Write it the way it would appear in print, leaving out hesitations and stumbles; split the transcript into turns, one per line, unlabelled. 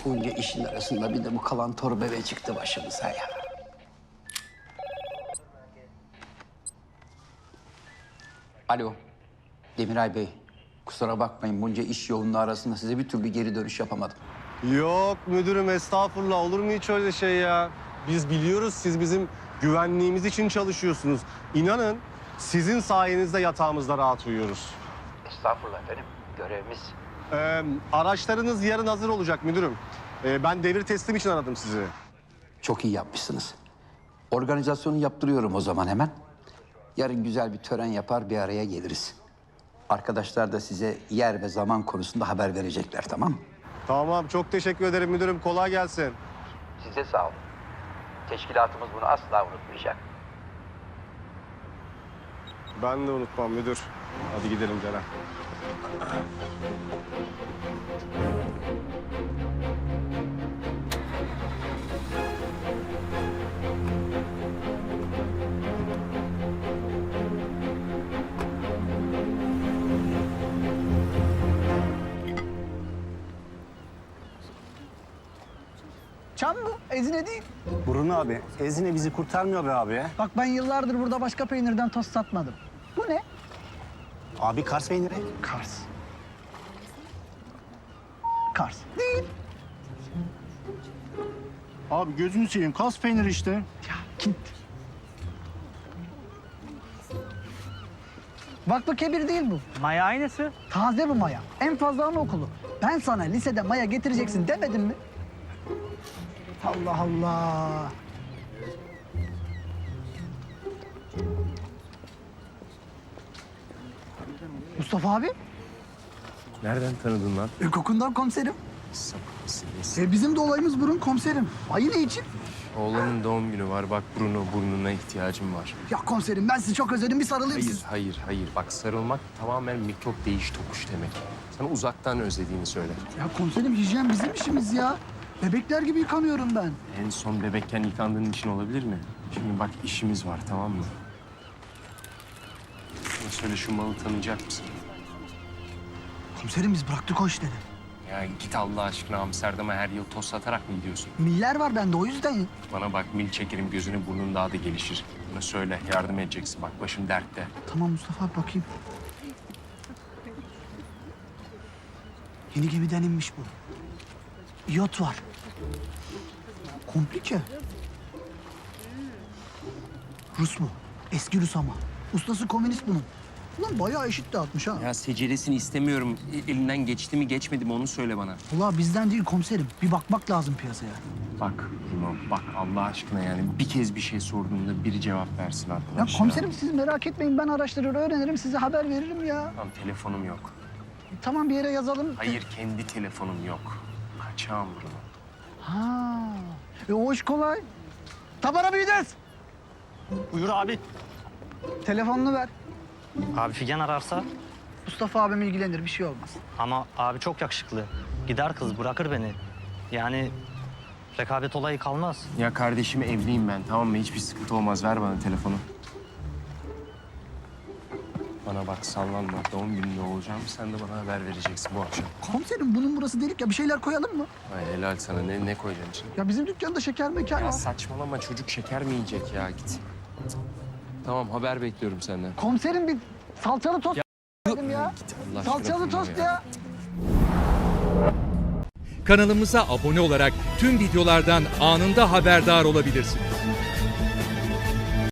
Bunca işin arasında bir de bu kalan torba çıktı başımıza ya. Alo, Demiray Bey. Kusura bakmayın, bunca iş yoğunluğu arasında size bir türlü geri dönüş yapamadım.
Yok müdürüm, estağfurullah, olur mu hiç öyle şey ya? Biz biliyoruz, siz bizim güvenliğimiz için çalışıyorsunuz. İnanın sizin sayenizde yatağımızda rahat uyuyoruz.
Estağfurullah efendim, görevimiz.
Araçlarınız yarın hazır olacak müdürüm. Ben devir teslim için aradım sizi.
Çok iyi yapmışsınız. Organizasyonu yaptırıyorum o zaman hemen. Yarın güzel bir tören yapar, bir araya geliriz. Arkadaşlar da size yer ve zaman konusunda haber verecekler, tamam mı?
Tamam, çok teşekkür ederim müdürüm. Kolay gelsin.
Size sağ olun. Teşkilatımız bunu asla unutmayacak.
Ben de unutmam müdür. Hadi gidelim Celal.
Çam mı? Ezine değil.
Burun abi, Ezine bizi kurtarmıyor be abi.
Bak ben yıllardır burada başka peynirden tost satmadım. Bu ne?
Abi Kars peyniri.
Kars. Kars. Değil.
Abi gözünü seveyim, Kars peyniri işte.
Ya git. Vakfı Kebir değil bu.
Maya aynısı.
Taze bu maya. En fazla anaokulu. Ben sana lisede maya getireceksin demedim mi? Allah Allah. Mustafa abi,
Nereden tanıdın lan?
kokundan komiserim.
Sapıksın.
Bizim de olayımız burun komiserim. Ayı ne için?
Oğlanın doğum günü var. Bak Bruno, burnuna ihtiyacım var.
Ya komiserim ben sizi çok özledim, bir sarılayım
Hayır,
size.
hayır. Bak sarılmak tamamen mikrop değiş tokuş demek. Sana uzaktan özlediğini söyle.
Ya komiserim hijyen bizim işimiz ya. Bebekler gibi yıkanıyorum ben.
En son bebekken yıkandığın için olabilir mi? Şimdi bak işimiz var, tamam mı? Bana söyle, şu malı tanıyacak mısın?
Komiserim biz bıraktık o işleri.
Ya git Allah aşkına, Amsterdam'a her yıl toz satarak mı gidiyorsun?
Miller var bende o yüzden.
Bana bak, mil çekerim, gözünü burnun daha da gelişir. Bana söyle, yardım edeceksin. Bak başım dertte.
Tamam Mustafa abi bakayım. Yeni gemiden inmiş bu. İyot var. Komplike. Rus mu? Eski Rus ama. Ustası komünist bunun. Ulan bayağı eşit dağıtmış ha.
Ya seceresini istemiyorum. Elinden geçti mi geçmedi mi onu söyle bana.
Ulan bizden değil komiserim. Bir bakmak lazım piyasaya.
Bak Bruno, bak Allah aşkına yani bir kez bir şey sorduğumda biri cevap versin
Ya
arkadaş.
komiserim siz merak etmeyin, ben araştırır öğrenirim, size haber veririm ya.
Tamam, telefonum yok.
Tamam bir yere yazalım.
Hayır, kendi telefonum yok. Kaçağım Bruno.
Ha. O iş kolay. Tabara büyüdüz.
Buyur abi.
Telefonunu ver.
Abi Figen ararsa
Mustafa abim ilgilenir, bir şey olmaz.
ama abi çok yakışıklı. Gider kız bırakır beni. Yani rekabet olayı kalmaz.
Ya kardeşim, evliyim ben, tamam mı? Hiçbir sıkıntı olmaz. Ver bana telefonu. Bana bak, sallanma. Doğum gününde olacağım. Sen de bana haber vereceksin bu akşam.
Komiserim bunun burası delik ya, bir şeyler koyalım mı?
Ay helal sana. Ne koyacaksın içine?
Ya bizim dükkanda şeker mekan
Ya
var.
saçmalama, çocuk şeker mi yiyecek ya? Git. Tamam, haber bekliyorum senden.
Komiserim bir salçalı tost dedim ya.
Git Allah aşkına
Salçalı
Bruno
tost ya.
Kanalımıza abone olarak tüm videolardan anında haberdar olabilirsiniz.